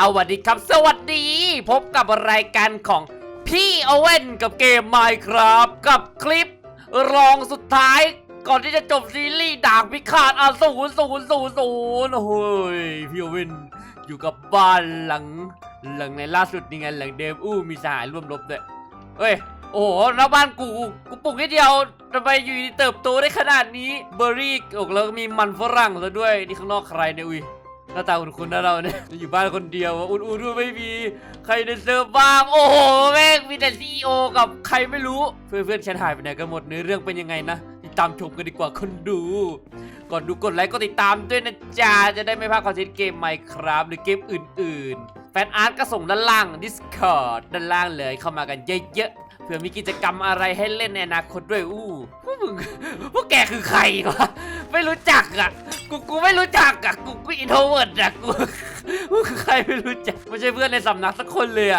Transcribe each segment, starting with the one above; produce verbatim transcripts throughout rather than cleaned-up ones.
วัสดีครับสวัสดีพบกับรายการของพี่โอเว่นกับเกม Minecraft กับคลิปรองสุดท้ายก่อนที่จะจบซีรีส์ดาบพิฆาตอสูรศูนย์ศูนย์ศูนย์โอ้ยพี่โอเว่นอยู่กับบ้านหลังหลังในล่าสุดนี่ไงหลังเดมอู้มีสหายร่วมรบด้วยเฮ้ยโอ้โหแล้วบ้านกูกูปลูกนิดเดียวทำไมอยู่ดีเติบโตได้ขนาดนี้เบอร์รี่อกแล้วมีมันฝรั่งซะด้วยนี่ข้างนอกใครเนี่ยอุ้ยหน้าตาคุ้นๆนะเราเนี่ยอยู่บ้านคนเดียวอุ่นๆไม่มีใครในเซิร์ฟบ้างโอ้โหแม่งมีแต่ซีอีโอกับใครไม่รู้เพื่อนๆฉันหายไปไหนกันหมดเนื้อเรื่องเป็นยังไงนะติดตามชมกันดีกว่าคนดูก่อนดูกดไลค์กดติดตามด้วยนะจ๊ะจะได้ไม่พลาดคอนเทนต์เกม Minecraft หรือเกมอื่นๆแฟนอาร์ตก็ส่งด้านล่าง Discord ด้านล่างเลยเข้ามากันเยอะๆเผื่อมีกิจกรรมอะไรให้เล่นในอนาคตด้วยอู้พวกมึงพวกแกคือใครวะไม่รู้จักอ่ะกูกูไม่รู้จักอ่ะกูกูอินโทรเวิร์ดอ่ะกูกูคือใครไม่รู้จักไม่ใช่เพื่อนในสำนักสักคนเลยอ่ะ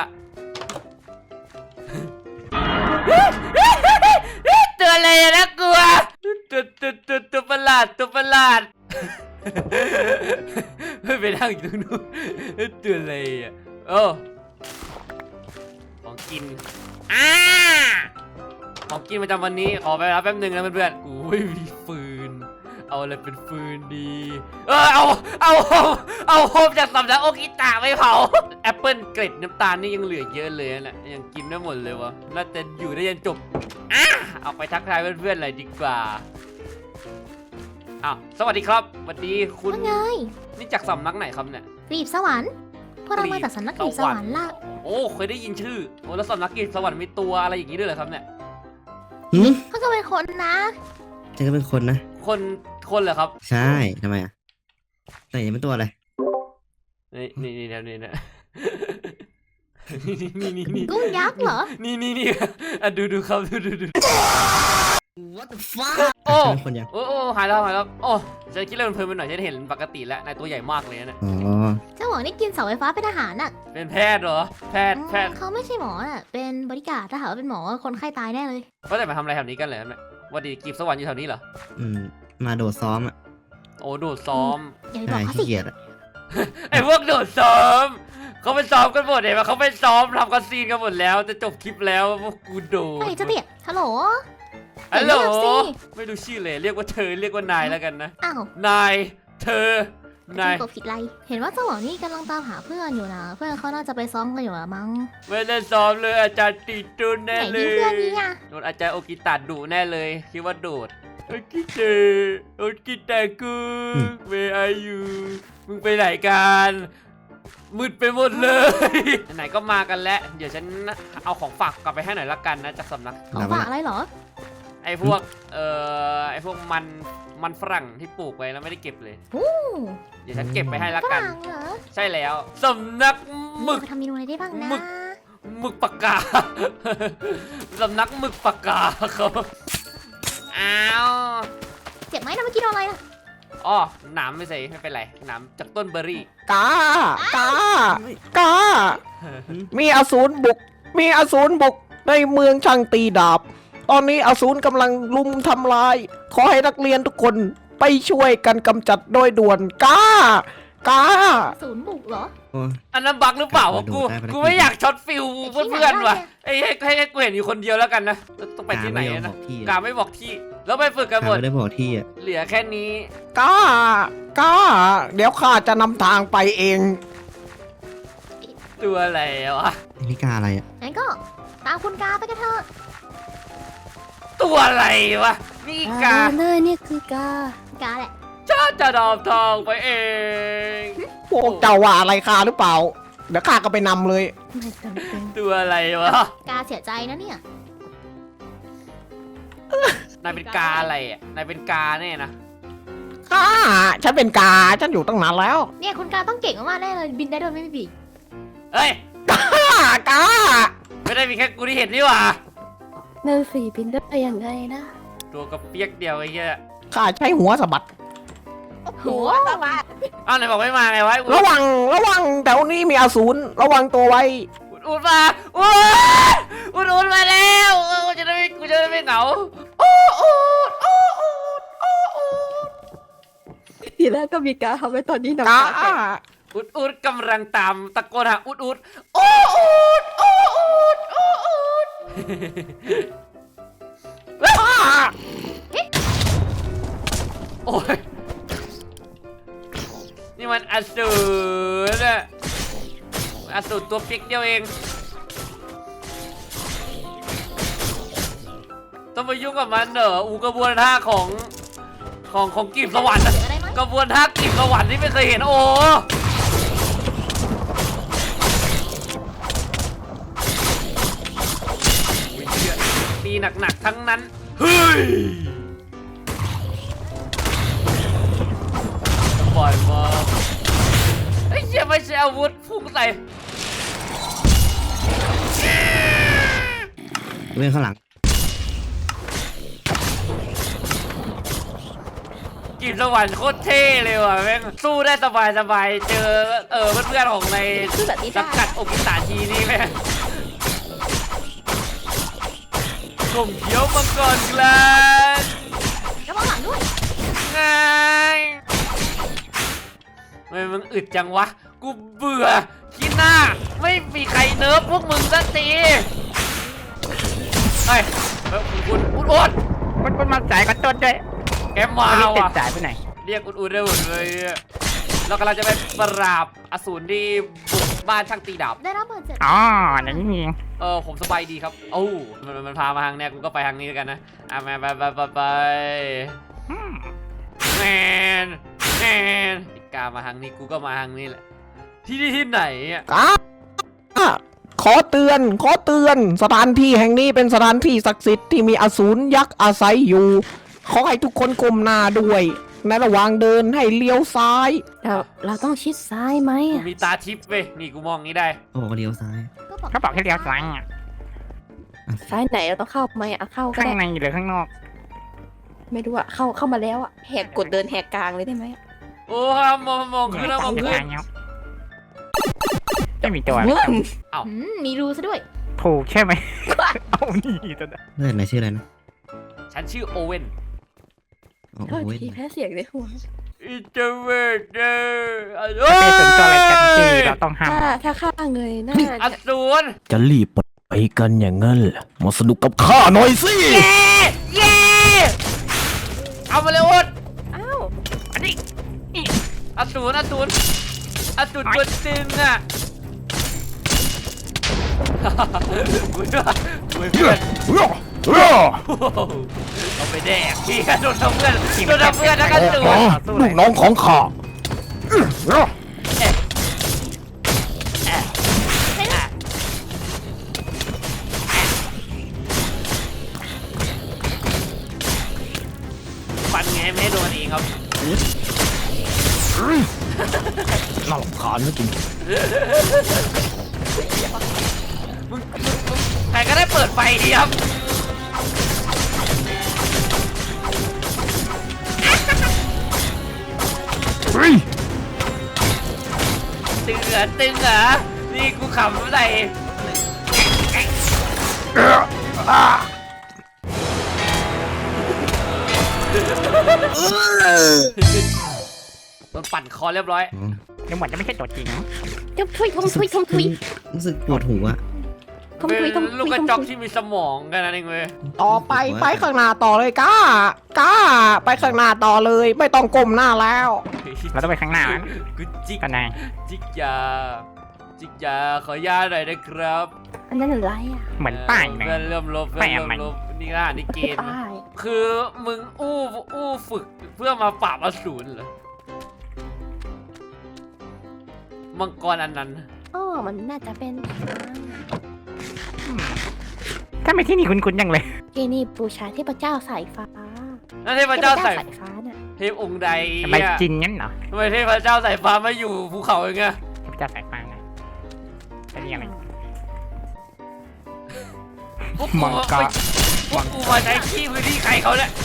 ตัวอะไรนะกลัวตัวตัวตัวตัวประหลาดตัวประหลาดไม่ไปนั่งอยู่ตรงนู้นตัวอะไรอ่ะโอ้ของกินอ่าของกินประจำวันนี้ขอไปรับแป๊บนึงนะเพื่อนๆกูไม่มีฟืนเอาอะไรเป็นฟืนดีเออเอาเอาเอาโฮมจากสำนักโอกิตะไม่เผาแอปเปิลเกล็ดน้ำตาลนี่ยังเหลือเยอะเลยนะยังกินไม่หมดเลยวะน่าจะอยู่ได้ยันจบอ่ะเอาไปทักทายเพื่อนๆเลยดีกว่าอ้าวสวัสดีครับสวัสดีคุณว่าไงนี่จากสำนักไหนครับเนี่ยกรีบสวรรค์พวกเรามาจากสำนักกรีบสวรรค์ล่ะโอ้เคยได้ยินชื่อโอ้แล้วสำนักกรีบสวรรค์มีตัวอะไรอย่างนี้ด้วยเหรอครับเนี่ยหืมเขาก็เป็นคนนะฉันก็เป็นคนนะคนคนเหรอครับใช่ทำไมอ่ะแต่ยังเป็นตัวอะไรนี่นี่นี่นี่นี่นี่นี่นี่กุ้งยักษ์เหรอนี่นี่นี่อ่ะดูดูครับดูดูดู What the fuck โอ้เป็นคนยังโอ้โอ้หายแล้วหายแล้วโอ้ฉันคิดเรื่องเพลินไปหน่อยฉันเห็นปกติแล้วนายตัวใหญ่มากเลยนะอ๋อเจ้าหวังนี่กินเสาไฟฟ้าเป็นอาหารน่ะเป็นแพทย์เหรอแพทย์แพทย์เขาไม่ใช่หมอน่ะเป็นบริการดถ้าหากว่าเป็นหมอคนไข้ตายแน่เลยว่าแต่มาทำอะไรแถวนี้กันเลยเนี่ยวันดีกรีบสวรรค์อยู่แถวนี้เหรออืมมาโดดซ้อมอ่ะโอ้โดดซ้อมอย่าไปบอใช่กเขาขี้สิเกียจอ่ะไอ้พวกโดดซ้อมเขาไปซ้อมกันหมดเห็นไหมเขาไปซ้อมทำกันซีนกันหมดแล้วจะจบคลิปแล้วพวกกูโดดไอ้เจ้าเตี้ยฮัลโหลฮัลโหลเรียกสิไม่รู้ชื่อเลยเรียกว่าเธอเรียกว่านายแล้วกันนะอ้าวนายเธอ นายกดผิดไรเห็นว่าเจ้าหวังนี่กำลังตามหาเพื่อนอยู่นะเพื่อนเขาน่าจะไปซ้อมกันอยู่ละมั้งไม่ได้ซ้อมเลยอาจารย์ติดตุนไหนแน่เลนี่ยเพื่อนนี่อ่ะโดนอาจารย์โอกิตะดุแน่เลยคิดว่าโดดโอกิเตะโอกิตะกูเวอายูมึงไปไหนกันมืดไปหมดเลย ไหนๆก็มากันแล้วเดี๋ยวฉันเอาของฝากกลับไปให้หน่อยละกันนะจากสำนักของฝากอะไรเหรอไอ้พวกเอ่อไอ้พวกมันมันฝรั่งที่ปลูกไว้แล้วไม่ได้เก็บเลยโอ้เดี๋ยวฉันเก็บไปให้ละฝกันรั่งเหรอใช่แล้วสำนักหมึกไปทำเมนูอะไรได้บ้างนะหมึก หมึกปากกา สำนักหมึกปากกาครับอ้าวเจ็บไหมนะเมื่อกี้โดนอะไรน่ะอ๋อหนามไม่ใส่ไม่เป็นไรหนามจากต้นเบอร์รี่กากากามีอสูรบุก มีอสูรบุกในเมืองช่างตีดาบ ตอนนี้อสูรกำลังลุมทำลาย ขอให้นักเรียนทุกคนไปช่วยกันกำจัดโดยด่วนกากาศูนย์บุกเหรอโอ้อันนั้นบักหรือเปล่าวะกูได้ไปได้กูไม่อยากช็อตฟิลแต่ที่เพื่อนไหนๆว่ะได้ไอ้ให้ให้ให้กูเห็นอยู่คนเดียวแล้วกันนะต้องไปที่ไหนกาม่ยอมนะบอกที่กาไม่บอกที่ แล้วไปฝึกกันหมดไม่ได้บอกที่อ่ะเหลือแค่นี้กากาเดี๋ยวข้าจะนำทางไปเองตัวอะไรวะไอ้นี่กาอะไรอ่ะงั้นก็ตามคุณกาไปกันเถอะตัวอะไรวะนี่กาเลยนี่คือกากาแหละจ้าจะดอมทองไปเองพวกเจ้าว่าอะไรข้าหรือเปล่า เดี๋ยวข้าก็ไปนำเลยไม่จำเป็นตัวอะไรวะกาเสียใจนะเนี่ยนายเป็นกาอะไรอ่ะนายเป็นกาแน่นะข้าฉันเป็นกา ฉันอยู่ตั้งนานแล้วเนี่ยคุณกาต้องเก่งมากๆแน่เลยบินได้โดยไม่มีปีกเฮ้ยกากาไม่ได้มีแค่กูที่เห็นนี่หว่านั่นสีบินได้ไปยังไงนะตัวกระเปียกเดียวไอ้เหี้ยข้าใช้หัวสะบัดหัวอ้าวไหนบอกไม่มาไงวะอุดระวัง ระวังแถวนี้มีอสูร ระวังตัวไว้อุดอุดมาอุดอุดอุดมาแล้วเออกูจะได้ไม่กูจะได้ไม่เหงาโอ้อุดโอ้อุดโอ้อุดทีแรกก็มีการทำไว้ตอนนี้น้ำกาตาแตกอุอุดอุดกำลังตามตะโกนหาอุดอุดโอ้อุดโอ้อุดโอ้อุดโอ้ยนี่มันอสูรอะอสูรตัวเปียกเดียวเองต้องไปยุ่งกับมันเหรออูกระบวนท่าของของของกีบสวรรค์กระบวนท่ากีบสวรรค์ที่ไม่เคยเห็นโอ้ตีหนักๆทั้งนั้นเฮ้ยบ่อยมากไอ้เชี่ยไม่ใช่อาวุธพุ่งใส่เรื่องข้างหลังกีบสวรรค์โคตรเท่เลยว่ะแม่งสู้ได้สบายสบายเจอเออเพื่อนๆของในคือแบบนี้สัได้งกัดโอกิตาทีนี่แม่งกลมเขียวมังกรกลางระวังหลังด้วยไงทำไมมึงอึดจังวะกูเบื่อขี้หน้าไม่มีใครเนิร์ฟพวกมึงสักทีเฮ้ยเฮ้ยคุณอุดอุดมันมันมาสายกันต้นด้วยแกมาวันนี้ติดว่ะสายไปไหนเรียกอุดอุดได้หมดเลยอะเรากำลังจะไปปราบอสูรที่บุกบ้านช่างตีดาบได้รับบาดเจ็บอ๋อนั่นนี่เออผมสบายดีครับโอ้มันมันพามาทางเนี้ยกูก็ไปทางนี้แล้วกันนะอ่ะมาไปไปไปไปอืมแมนแมนไอ้กามาทางนี้กูก็มาทางนี้แหละที่นี่ที่ไหนอ่ะกาขอเตือน ขอเตือน สถานที่แห่งนี้เป็นสถานที่ศักดิ์สิทธิ์ที่มีอสูรยักษ์อาศัยอยู่ ขอให้ทุกคนก้มหน้าด้วย ในระหว่างเดินให้เลี้ยวซ้ายเราเราต้องชิดซ้ายไหมกูอะมีตาทิพย์เว้ยนี่กูมองงี้ได้โอ้เลี้ยวซ้ายเขาบอกให้เลี้ยวซ้ายอ่ะซ้ายไหนเราต้องเข้าไหมอะเข้าก็ข้างได้ในหรือข้างนอกไม่รู้อะเข้าเข้ามาแล้วอะแหกกดเดินแหกกลางเลยได้ไหมอะโอ้ห้ามมองมองขึ้นแล้วมองจะขึ้นทางเนี้ยไม่มีตัวเงื่อนอืมมีรูซะด้วยถูกใช่ไหม เอานี่ตัวนั้นเลือดไหนชื่ออะไรนะฉันชื่อโอเว่นโอ้โทษโหทีแพ้เสียงในหัวอินเตอร์เวเดอร์ไม่เป็นส่วนตัวอะไรกันที่เราต้องห้ามถ้าถ้าข้าเงยหน้าอจะสูรจะรีบไปกันอย่างนั้นเหรอมาสนุกกับข้าหน่อยสิเย้เย้เอามาเลยโอ๊ตอ้าวอันนี้อสูรอสูรอสูรตัวจริงอ่ะกูเพื่อนกูเพื่อนเอาไปแดกพี่โดนทำเพื่อนโดนทำเพื่อนแล้วกันสูรลูกน้องของข้าฟันไงไม่ให้โดนเองครับน่ารำคาญนะจริงมึงมึงมึงใครก็ได้เปิดไฟดีครับตึงเหรอตึงเหรอนี่กูขำใส่โดนปั่นคอเรียบร้อยอ๋อเดี๋ยวเหมือนจะไม่ใช่ตัวจริงทมทุยทมทุยทมทุยรู้สึกปวดหัวทมเป็นทุยทมลูทุกยกระทมจอกทุยที่มีสมองกันนั่นเองเว้ยต่อไปไปข้างหน้าต่อเลยก้า ก้า ไปข้างหน้าต่อเลย ไม่ต้องก้มหน้าแล้วเราต้องไปข้างหน้านะกูจิกกันนายจิกยาจิกยาขอยาหน่อยนะครับอันนั้นอะไรอะเหมือนป้ายนะเพื่อนเริ่มลบเพื่อนเริ่มป้ายอะไรลบนี่ก็อ่านในเกมป้ายคือมึงอู้อู้ฝึกเพื่อมาปราบอสูรเหรอมังกรอันนั้นอ๋อมันน่าจะเป็นถ้าไม่ที่นี่คุ้นๆยังเลยที่นี่บูชาเทพเจ้าสายฟ้านั่นเทพเจ้าใส่สายฟ้าน่ะเทพองค์ใดทำไมเนี่ยจริงงั้นเหรอทำไมเทพเจ้าสายฟ้ามาอยู่ภูเขาอย่างเงี้ยเทพเจ้าสายฟ้าไงจะเรียกอะไรพวกกูมังกรพวกกูมาใช้ที่พื้นที่ใครเขาเนี่ย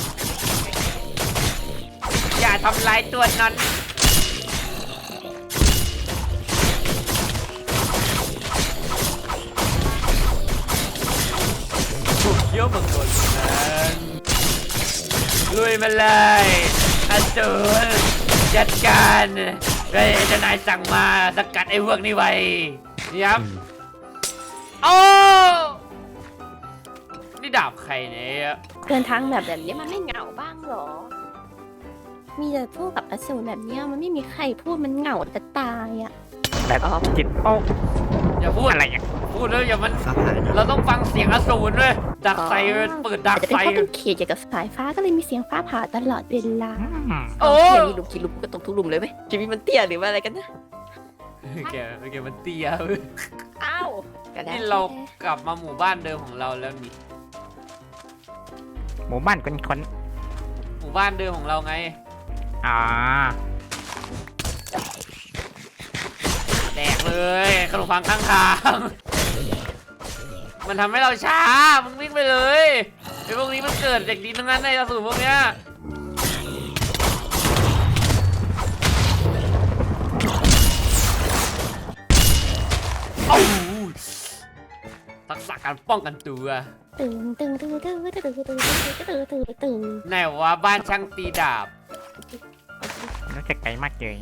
อย่าทำลายตัวนั้นถูกเยี่ยวมังกรนั้นลุยมาเลยอสูรจัดการเฮ้ยเจ้านายสั่งมาสกัดไอ้พวกนี้ไว้นี่ครับอืมโอ้นี่ดาบใครเนี่ยเดินทางแบบแบบนี้มันไม่เหงาบ้างเหรอ มีแต่พูดกับอสูรแบบเนี้ยมันไม่มีใครพูดมันเหงาจะตายอ่ะแบบอ๋อจิตโอ้อย่าพูดอะไรอ่ะพูดแล้วอย่ามันฟ้าผ่านะเราต้องฟังเสียงอสูรด้วยดักไฟเปิดดัอาก จจะเป็นไฟเพราะเป็นเขตเกี่ยวกับสายฟ้าก็เลยมีเสียงฟ้าผ่าตลอดเวลาอืมโอ้เขียนมีหลุมกี่หลุมก็ตกทุกหลุมเลยไหมชีวิตมันเตี้ยหรือว่าอะไรกันนะแกแกมันเตี้ยอ้าวกระดาษนี่เรากลับมาหมู่บ้านเดิมของเราแล้วนี่หมู่บ้านคนคนหมู่บ้านเดิมของเราไงๆอ่าแดกเลยขนมปังข้างทาง มันทำให้เราช้า มึงวิ่งไปเลยไอ้พวกนี้มันเกิดจากดินทั้งนั้นในอสูรพวกเนี้ยโอ้โหทักษะการป้องกันตัวตึงตึงตึงตึงตึงตึงตึงตึงตึงตึงไหนว่าบ้านช่างตีดาบน่าจะไกลมากเลย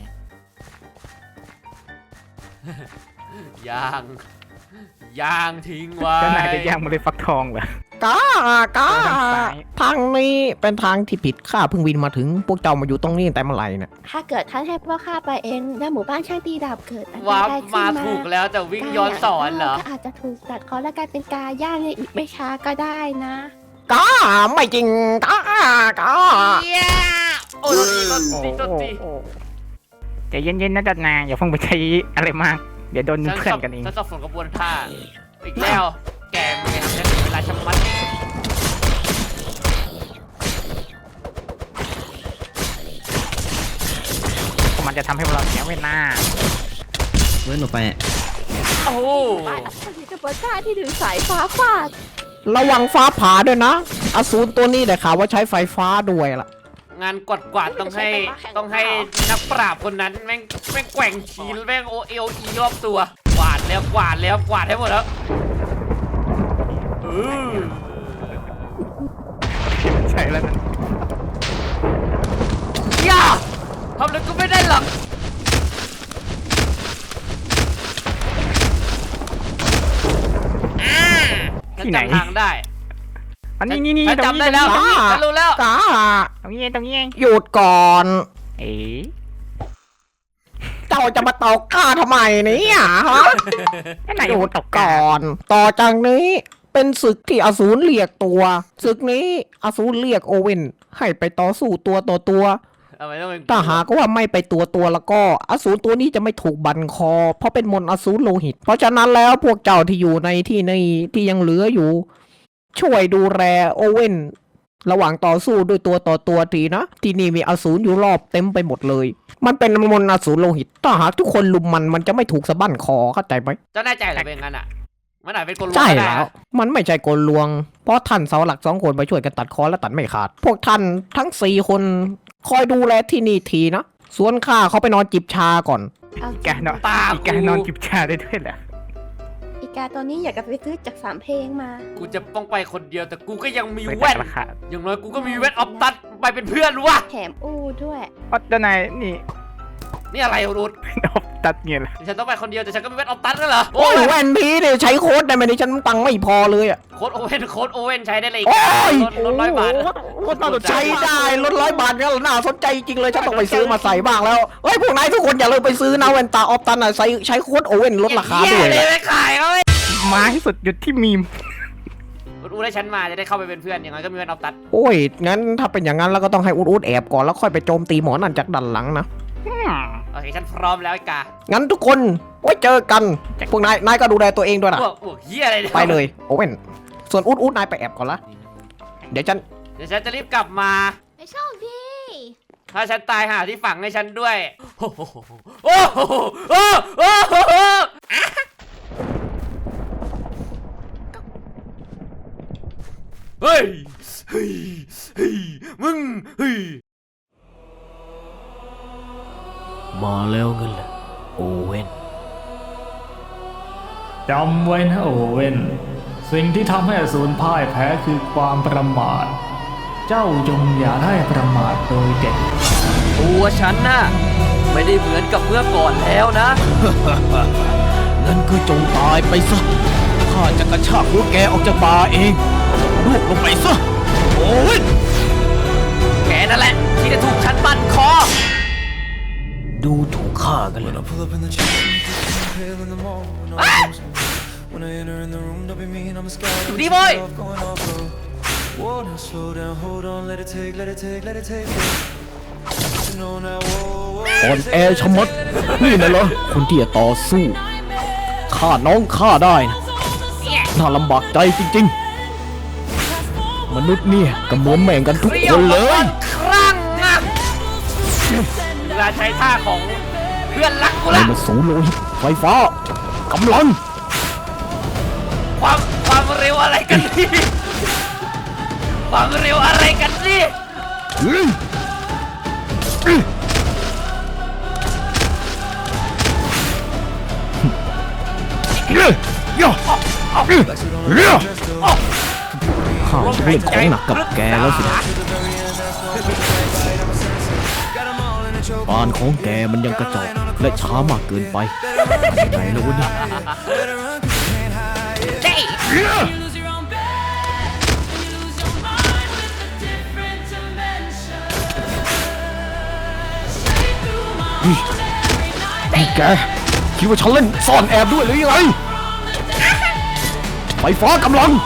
ย่าง ย่างทิ้งไว้เจ้านายจะย่างมาเลยฟักทองเหรอก้ากาทางซ้ายทางนี้เป็นทางที่ผิดข้าเพิ่งวินมาถึงพวกเจ้ามาอยู่ตรงนี้ตั้งแต่เมื่อไหร่เนี่ยถ้าเกิดท่านให้พวกข้าไปเองแล้วหมู่บ้านช่างตีดาบเกิดอันตวาร์ปรายขึ้มานมาถูกแล้วแต่วิ่งย้อนสอนเหรอก็อาจจะถูกตัดคอและกลายเป็นกาย่างในอีกไม่ช้าก็ได้นะกาไม่จริงกากาเหี้ยโอ้ยโดนตีโดนตีโอ้ใจเย็นๆนะจัดนายอย่าเพิ่งไปใช้อะไรมาก เดี๋ยวโดนฉันเพื่อสันบกันเองฉันสับสนกระบวนท่าอีกแล้ว แกมันทำฉันเสียเวลาชะมัดมันจะทำให้เราเสียเวลาเว้ยหนูไปอะโอ้โหบ้านอัศวินกระบวนท่าที่ดึงสายฟ้าฟาดระวังฟ้าผ่าด้วยนะอสูรตัวนี้ได้ข่าวว่าใช้ไฟฟ้าด้วยล่ะงานกวาดกวาดต้องให้ต้องให้นักปราบคนนั้นแม่งแม่งแกว่งขีนแม่งโอเอลอีรอบตัวกวาดแล้วกวาดแล้วกวาดให้หมดแล้วเออใช่แล้วนะอย่าทำอะไรก็ไม่ได้หรอกอ่าฉันจำทางได้อันนี้นี่นี่ฉันตรงจำนี้ได้แล้วตรงนี้ฉันรู้แล้วกาตรงนี้เองตรงนี้เองหยุดก่อนเอ๋เจ้าจะมาตอกข้าทำไมเนี่ยฮะนั่นนายหยุโดดตกก่อน ต่อจากนี้เป็นศึกที่อสูรเรียกตัวศึกนี้อสูรเรียกโอเว่นให้ไปต่อสู้ตัวต่อตัวทำไมต้องเป็นถ้าหากว่าไม่ไปตัวตัวแล้วก็อสูรตัวนี้จะไม่ถูกบั่นคอ เพราะเป็นมนต์อสูรโลหิต เพราะฉะนั้นแล้วพวกเจ้าที่อยู่ในที่ในที่ยังเหลืออยู่ ช่วยดูแลโอเว่นระหว่างต่อสู้ด้วยตัวต่อตัวทีนะ ที่นี่มีอสูรอยู่รอบเต็มไปหมดเลย มันเป็นมนต์อสูรโลหิต ถ้าหากทุกคนลุมมันมันจะไม่ถูกสะบั้นคอเข้าใจไหมเจ้าแน่ใจเหรือเป็นงั้นอ่ะ มันอาจเป็นคนรู้ใช่ก็ได้แล้วนะมันไม่ใช่กลลวง เพราะท่านเสาหลักสองคนไปช่วยกันตัดคอและตัดไม่ขาด พวกท่านทั้งสี่คนคอยดูแลที่นี่ทีนะ ส่วนข้าเขาไปนอนจิบชาก่อนเอาอีกานอนตาอีกานอนจิบชาได้ด้วยเหรออีกาตัวนี้อยากจะไปซื้อจากสามเพลงมากูจะต้องไปคนเดียวแต่กูก็ยังมีไปแว่นราคาอย่างน้อยกูก็มีแว่นออฟตัดไปเป็นเพื่อนวะแถมอู้ด้วยอ๋อเจ้านายนี่นี่อะไรรุดนบตัดเงี้ยเหรอฉันต้องไปคนเดียวแต่ฉันก็มีแว่นออฟตัดนั่นเหรอโอ้ยแว่นพีเนี่ยใช้โค้ดได้ไหมเนี่ยฉันตังค์ไม่พอเลยอ่ะโค้ดโอเว่นโค้ดโอเว่นใช้ได้เลยโอ้ยลดลดร้อยบาทโอ้โหใช้ได้ลดร้อยบาทเนี่ยน่าสนใจจริงเลยฉันต้องไปซื้อมาใส่บ้างแล้วเฮ้ยพวกนายทุกคนอย่าลืมไปซื้อนะแว่นตาออฟตันอ่ะใช้ใช้โค้ดโอเว่นลดราคาด้วยเลนะยไม่ขายเขาเลยมาให้สุดหยุดที่มีมอูได้ฉันมาจะได้เข้าไปเป็นเพื่อนอย่างน้อยก็มีแว่นออฟตัดโอ้ยงั้นถ้าเป็นอย่างนั้นแล้วก็ต้องให้อุดอุดแอบก่อนแล้วค่อยไปโจมตีหมอนั่นจากด้านหลังนะอืมโอเคฉันพร้อมแล้วไอ้กางั้นทุกคนไว้เจอกัน พวกนาย นายก็ดูแลตัวเองด้วยนะพวกพวกเฮียอะไรเนี่ยไปเลยโอเว่น ส่วนอุดอุดนายไปแอบก่อนละ เดี๋ยวฉันเดี๋ยวฉันจะรีบกลับมาไปโชคดีถ้าฉันตายหาที่ฝังให้ฉันด้วย โอ้โหโอ้โหโอ้โหโอ้โหเฮ้ย เฮ้ย เฮ้ย มึง เฮ้ยมาแล้วเงินแหละโอเว่นจำไว้นะโอเว่น สิ่งที่ทำให้อสูรพ่ายแพ้คือความประมาท เจ้าจงอย่าได้ประมาทโดยเด็ดขาดตัวฉันน่ะไม่ได้เหมือนกับเมื่อก่อนแล้วนะงั้นก็จงตายไปซะ ข้าจะกระชากหัวแกออกจากบาร์เองลูกลงไปซะ โอ้ยแกนั่นแหละที่จะถูกฉันบั่นคอดูถูกข้ากันเลยอยู่ดีโว้ยอ่อนแอชะมัด นี่นะเหรอคนที่จะต่อสู้ฆ่าน้องฆ่าได้นะน่าลำบากใจจริงๆ มนุษย์เนี่ยก็เหมือนแม่งกันทุกเรีคยวนเลมาย ครั้งอะเวลาใช้ท่าของเพื่อนรักกูอะไรละมาสูงโลหิตไฟฟ้ากำลังความความเร็วอะไรกันนี่ความเร็วอะไรกันนี่อื้ออื้อเย้ย่ออื้อเย้ข้าจะเล่นของหนักกับแกแล้วสินะปานของแกมันยังกระจอกและช้ามากเกินไปไหนแล้ววะเนี่ยเฮ้ยเย้นี่นี่แกคิดว่าฉันเล่นซ่อนแอบด้วยหรือยังไงไฟฟ้ากำลัง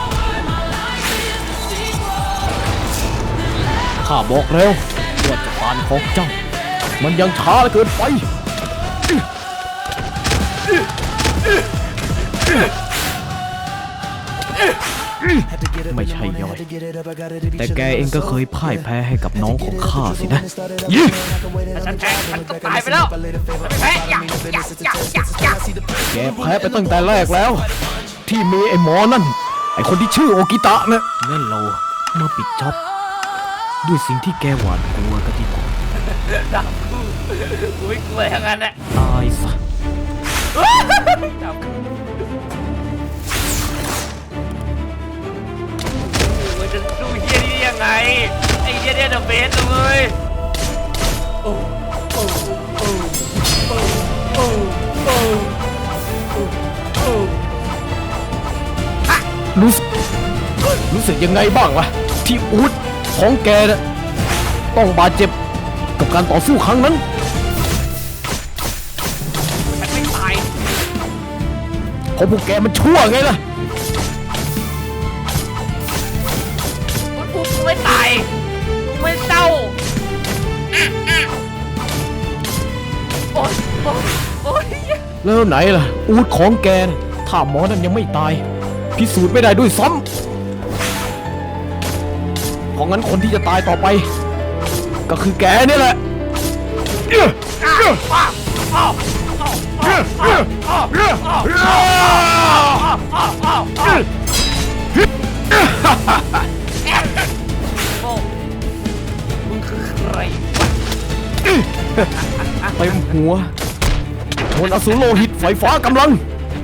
ข้าบอกแล้วว่าจะปานของเจ้ามันยังช้าเกินไปไม่ใช่ย่อยแต่แกเองก็เคยพ่ายแพ้ให้กับน้องของข้าสินะยี่ถ้าฉันแพ้ฉันก็ตายไปแล้วฉันไม่แพ้อย่าอย่าอย่าอย่าอย่าแกแพ้ไปตั้งแต่แรกแล้ว ที่มีไอ้หมอนั่น ไอ้คนที่ชื่อโอกิตะนะงั้นเรามาปิดจ็อบด้วยสิ่งที่แกหวาดกลัวกันดีกว่าดับกูกูไม่กลัวทั้งนั้นแหละตายซะดับกูมันจะสู้เฮียนี่ยังไงไอ้เฮียเนี่ยเดอะเบสเลยโอ้โอ้โอ้โอ้โอ้โอ้โอ้รู้สึกรู้สึกยังไงบ้างวะที่อูดของแกนะต้องบาดเจ็บกับการต่อสู้ครั้งนั้นฉันไม่ตายเพราะพวกแกมันชั่วไงล่ะกูกูไม่ตายกูไม่เศร้าอ่ะอ่ะโอ๊ยโอ๊ยโอ๊ยแล้วไหนล่ะ อูดของแกนะถ้าหมอนั่นยังไม่ตาย พิสูจน์ไม่ได้ด้วยซ้ำเพราะงั้นคนที่จะตายต่อไป ก็คือแกนี่แหละโอ้มึงคือใครวะเต็มหัวมนต์อสูรโลหิตไฟฟ้ากำลัง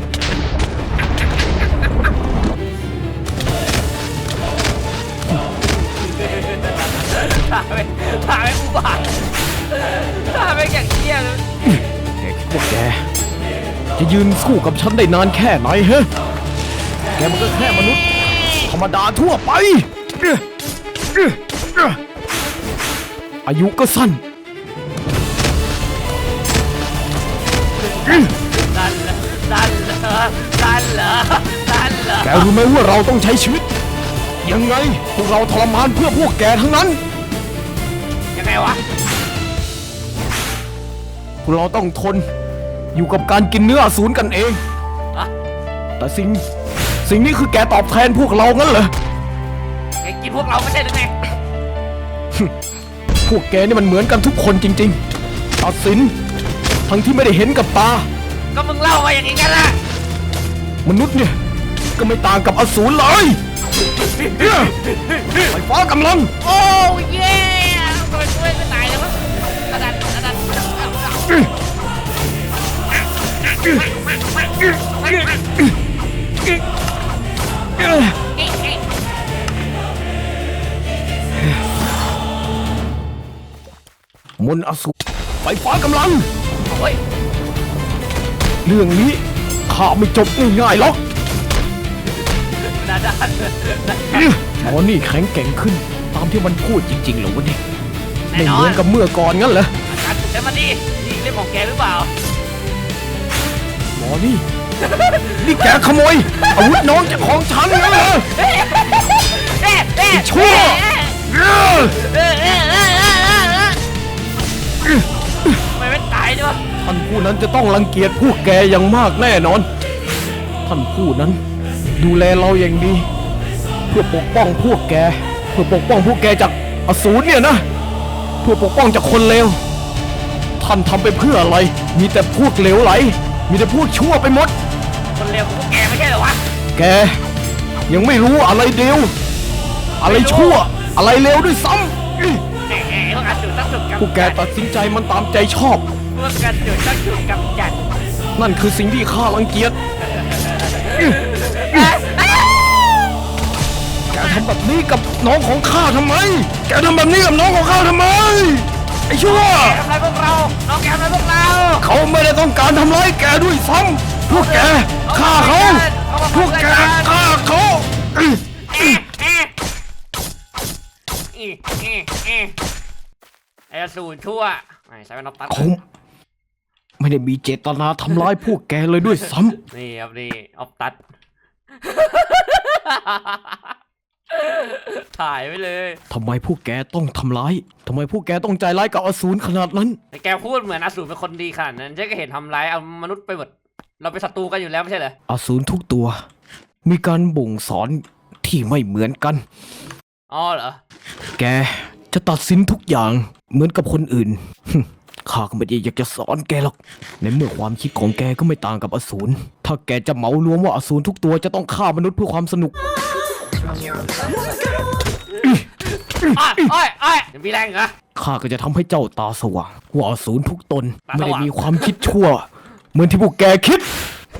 ถ่ายไปถ่ายไปอุบาทถ่ายไปอย่างเที่ยเลยแกคิดว่าแกจะยืนสู้กับฉันได้นานแค่ไหนฮะ แกมันก็แค่มนุษย์ธรรมดาทั่วไป อายุก็สั้นดันเหรอดันเหรอดันเหรอดันเหรอแกรู้ไหมว่าเราต้องใช้ชีวิต ยังไงพวกเราทรมานเพื่อพวกแกทั้งนั้นยังไงวะพวกเราต้องทนอยู่กับการกินเนื้ออสูรกันเองอะแต่สิ่งสิ่งนี้คือแกตอบแทนพวกเรางั้นเหรอแกกินพวกเราไม่ใช่หรือไงพวกแกนี่มันเหมือนกันทุกคนจริงๆตัดสินทั้งที่ไม่ได้เห็นกับตาก็มึงเล่ามาอย่างนี้กันละมนุษย์เนี่ยก็ไม่ต่างกับอสูรเลยไฟฟ้ากำลังโอ้เย่ทำไมช่วยไม่ตายเลยวะดันดันดันดันมนต์อสูรไฟฟ้ากำลังโอ้ยเรื่องนี้ข้าไม่จบง่ายๆหรอกนาดานหมอนี่แข็งแกร่งขึ้น ตามที่มันพูดจริงๆเหรอวะเนี่ยแน่ไม่นอเหมือน นกับเมื่อก่อนงั้นเหรออาจารย์ถูกใจมาดินี่เล่มของแกหรือเปล่าหมอนี่ นี่แกขโมยอาวุธน้องจากของฉันงั้นเหรอเอ๊ะเอ๊ะไอ้ชั่วเออเออเออเออเออเออทำไมไม่ตายด้วยท่านผู้นั้นจะต้องรังเกียจพวกแกอย่างมากแน่นอน ท่านผู้นั้น ดูแลเราอย่างดี เพื่อปกป้องพวกแก เพื่อปกป้องพวกแกจากอสูรเนี่ยนะ เพื่อปกป้องจากคนเลว ท่านทำไปเพื่ออะไร มีแต่พวกเลวไหล มีแต่พวกชั่วไปหมดคนเลวของพวกแกไม่ใช่เหรอวะแกยังไม่รู้อะไรเดียว อะไรชั่ว อะไรเลวด้วยซ้ำอื้อแหมพวกการจุดต้องถูกกำจัดพวกแกตัดสินใจมันตามใจชอบพวกการจุดต้องถูกกำจัดนั่นคือสิ่งที่ข้ารังเกียจ แกทำแบบนี้กับน้องของข้าทำไม แกทำแบบนี้กับน้องของข้าทำไม ไอ้ชั่วแกทำอะไรพวกเรา น้องแกทำอะไรพวกเราเขาไม่ได้ต้องการทำร้ายแกด้วยซ้ำพวกแกฆ่าเขา พวกแกฆ่าเขาอื้อเอ๊ะเอ๊ะเอ๊ะเอ๊ะเอ๊ะไอ้อสูรชั่วไอ้ใส่เป็นนกตัดเขาไม่ได้มีเจตนาทำร้ายพวกแกเลยด้วยซ้ำนี่ครับนี่ออฟตัด ถ่ายไว้เลยทำไมพวกแกต้องทำร้าย ทำไมพวกแกต้องใจร้ายกับอสูรขนาดนั้นแต่แกพูดเหมือนอสูรเป็นคนดีขนาดนั้นฉันก็เห็นทำร้ายเอามนุษย์ไปหมด เราเป็นศัตรูกันอยู่แล้วไม่ใช่เหรออสูรทุกตัว มีการบ่งสอนที่ไม่เหมือนกันอ๋อเหรอแกจะตัดสินทุกอย่างเหมือนกับคนอื่น ข้าก็ไม่ได้อยากจะสอนแกหรอก ในเมื่อความคิดของแกก็ไม่ต่างกับอสูร ถ้าแกจะเหมารวมว่าอสูรทุกตัวจะต้องฆ่ามนุษย์เพื่อความสนุกอ้อยอ้อยอ้อยยังมีแรงเหรอข้าก็จะทำให้เจ้าตาสว่างว่าอสูรทุกตนตาสว่างไม่ได้มีความคิดชั่ว เหมือนที่พวกแกคิด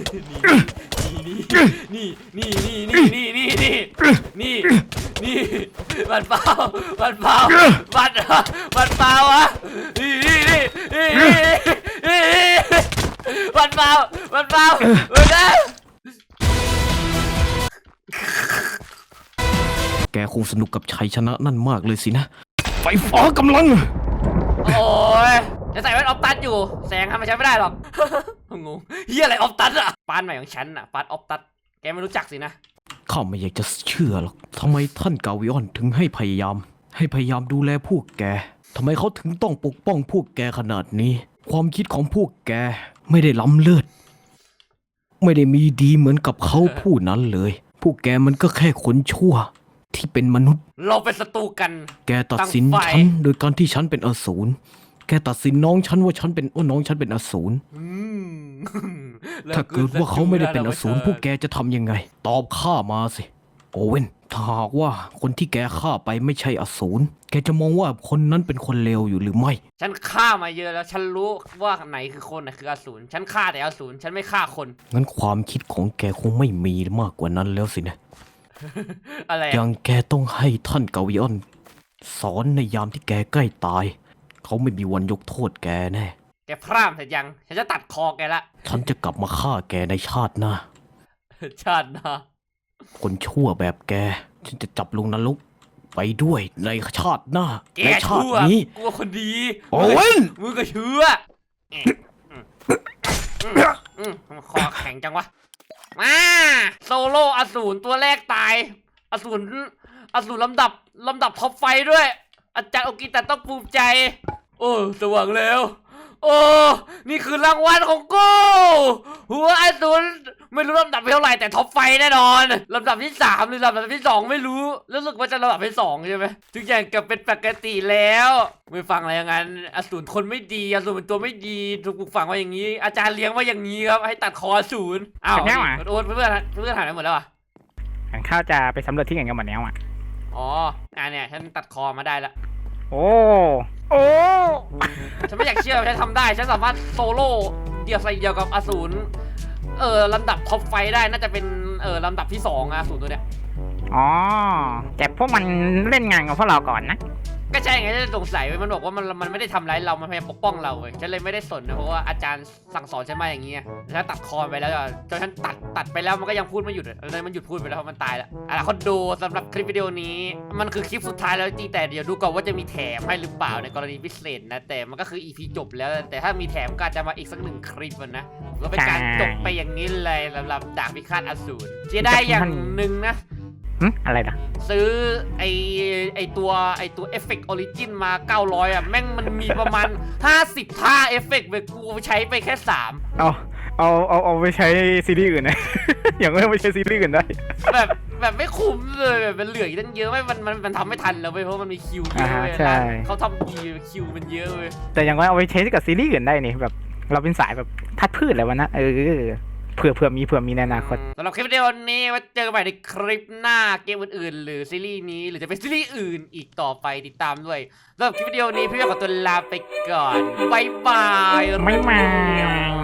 นี่นี่นี่นี่นี่นี่นี่นี่นี่มันเปล่ามันเปล่ามันมันเปล่าวะนี่นี่นี่นี่นี่มันเปล่ามันเปล่ามันเปล่าแกคงสนุกกับชัยชนะนั่นมากเลยสินะ ไฟฟ้ากำลังโอ้ยจะใส่แว่นออฟตัดอยู่แสงทำไมใช้ไม่ได้หรอก งงเฮียอะไรออฟตัดอะปานใหม่ของฉันอะปานออฟตัดแกไม่รู้จักสินะข้าไม่อยากจะเชื่อหรอก ทำไมท่านกาวิออนถึงให้พยายาม ให้พยายามดูแลพวกแก ทำไมเขาถึงต้องปกป้องพวกแกขนาดนี้ ความคิดของพวกแกไม่ได้ล้ำเลิศ ไม่ได้มีดีเหมือนกับเขาผู้นั้นเลย พวกแกมันก็แค่คนชั่ว ที่เป็นมนุษย์เราเป็นศัตรูกันแกตัดสินตั้งไฟฉันโดยการที่ฉันเป็นอสูร แกตัดสินน้องฉันว่าฉันเป็นว่าน้องฉันเป็นอสูรอืมถ้าเกิดว่าเขาไม่ได้เป็นอสูรพวกแกจะทำยังไง ตอบข้ามาสิ โอเว่นถ้าหากว่าคนที่แกฆ่าไปไม่ใช่อสูร แกจะมองว่าคนนั้นเป็นคนเลวอยู่หรือไม่ฉันฆ่ามาเยอะแล้วฉันรู้ว่าไหนคือคนไหนคืออสูรฉันฆ่าแต่อสูรฉันไม่ฆ่าคนงั้นความคิดของแกคงไม่มีมากกว่านั้นแล้วสินะอะไรออะย่างแกต้องให้ท่านกาวิออน สอนในยามที่แกใกล้ตาย เขาไม่มีวันยกโทษแกแน่แกพร่ำเสร็จยังฉันจะตัดคอแกละฉันจะกลับมาฆ่าแกในชาติหน้าชาติหนะคนชั่วแบบแก ฉันจะจับลงนรกไปด้วยในชาติหน้าแกในชาติชั่วนี้กลัวคนดีโอเว่นมึงก็เชื่ออืมอืมอืมอืมคอแข็งจังวะมาโซโล่อสูรตัวแรกตายอสูรอสูรลำดับลำดับท็อปไฟว์ด้วย อาจารย์โอกิตะต้องภูมิใจ โอ้สว่างแล้ว โอ้นี่คือรางวัลของกูหัวอสูรไม่รู้ลำดับเท่าไหร่แต่ท็อปไฟว์แน่นอนลำดับที่สามหรือลำดับที่สองไม่รู้รู้สึกว่าจะลำดับที่สองใช่ไหมทุกอย่างกลับเป็นปกติแล้วไม่ฟังอะไรอย่างนั้นอสูรคนไม่ดีอสูรเป็นตัวไม่ดีถูกปลูกฝังว่าอย่างนี้ อาจารย์เลี้ยงว่าอย่างนี้ครับให้ตัดคออสูรอ้าวเป็นไงวะโอ๊ตเพื่อนเพื่อนหายไปหมดแล้วอ่ะข้าจะไปสำรวจที่อื่นกันหมดแล้วอ่ะอ๋ออ่ะเนี่ยฉันตัดคอมาได้แล้วโอ้ โอ้ฉันไม่อยากเชื่อว่าฉันทำได้ฉันสามารถโซโล่เดียวใส่เดียวกับอสูรเออลำดับท็อปไฟว์ได้น่าจะเป็นเออลำดับที่สองอะอสูรตัวเนี้ยอ๋อ แต่พวกมันเล่นงานกับพวกเราก่อนนะก็ใช่ไงฉันสงสัยเว้ยมันบอกว่ามันมันไม่ได้ทำร้ายเรามันพยายามปกป้องเราเว้ยฉันเลยไม่ได้สนนะเพราะว่าอาจารย์สั่งสอนฉันมาอย่างเงี้ยฉันตัดคอไปแล้วจนฉันตัดตัดไปแล้วมันก็ยังพูดไม่หยุดเลยมันหยุดพูดไปแล้วเพราะมันตายแล้วอ่ะคนดูสำหรับคลิปวิดีโอนี้มันคือคลิปสุดท้ายแล้วจริงแต่เดี๋ยวดูก่อนว่าจะมีแถมให้หรือเปล่าในกรณีพิเศษนะแต่มันก็คือ อี พี จบแล้วแต่ถ้ามีแถมก็อาจจะมาอีกสักหนึ่งคลิปนะก็เป็นการจบไปอย่างนี้เลยสำหรับดาบพิฆาตอสูรเสียได้อย่างหนึ่งนะหึอะไรนะซื้อไอไอตัวไอตัวเอฟเฟกต์ออริจินมาเก้าร้อยอ่ะแม่งมันมีประมาณ ห้าสิบ ท่าเอฟเฟกต์ไปกูใช้ไปแค่สามเอาเอาเอาเอาไปใช้ซีรีส์อื่นนะ อย่างไม่ไปใช้ซีรีส์อื่นได้แบบแบบไม่คุ้มเลยแบบมันเหลืออีกตั้งเยอะไม่มันมันมันทำไม่ทันแล้วเว้ยเพราะมันมีคิวเยอะเว้ยอ่าใช่เขาทำดีคิวมันเยอะเว้ยแต่อย่างน้อยเอาไปใช้กับซีรีส์อื่นได้นี่แบบเราเป็นสายแบบทัดพืชอะไรวะนะเออเผื่อเผื่อมีเผื่อมีในอนาคตสำหรับคลิปวิดีโอนี้ไว้เจอกันใหม่ในคลิปหน้าเกมอื่นๆหรือซีรีส์นี้หรือจะเป็นซีรีส์อื่นอีกต่อไปติดตามด้วยสำหรับคลิปวิดีโอนี้พี่ขอตัวลาไปก่อนบ๊ายบายไม่มา